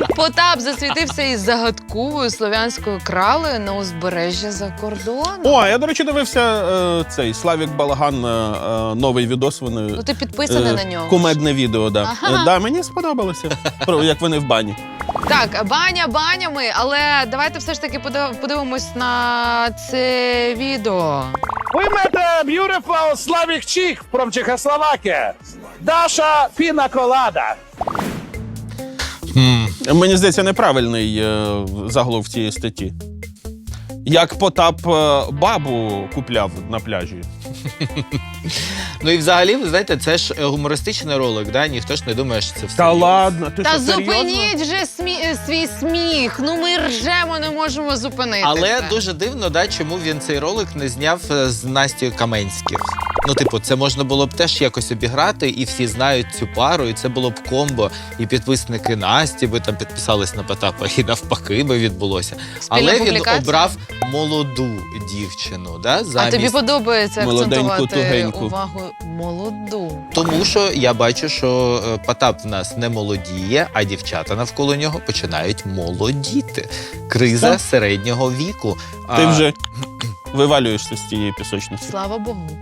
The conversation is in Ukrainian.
Потап засвітився із загадковою слов'янською кралею на узбережжя за кордоном. О, я, до речі, дивився цей Славік Балаган, новий відос. Вони, Ну ти підписаний на нього. Кумедне відео, да. Ага. Да, мені сподобалося, як вони в бані. Так, баня банями, але давайте все ж таки подивимось на це відео. We met a beautiful Slavic chick from Czechoslovakia. Dasha Pina Colada. Мені здається, неправильний заголовок цієї статті. Як Потап бабу купляв на пляжі. Ну і взагалі, ви знаєте, це ж гумористичний ролик, да? Ніхто ж не думає, що це все. Та ладно, ти Та що, серйозно? зупиніть же свій сміх. Ну ми ржемо, не можемо зупинитися. Але дуже дивно, да, чому він цей ролик не зняв з Настю Каменських. Ну, типу, це можна було б теж якось обіграти, і всі знають цю пару, і це було б комбо. І підписники Насті би там підписались на Потапа, і навпаки би відбулося. Спільна Але він публікація? обрав молоду дівчину, да, А замість... тобі подобається Молоденьку, акцентувати тугеньку. увагу молоду. Тому що я бачу, що Потап в нас не молодіє, а дівчата навколо нього починають молодіти. Криза середнього віку. Ти вже вивалюєшся з цієї пісочниці. Слава Богу.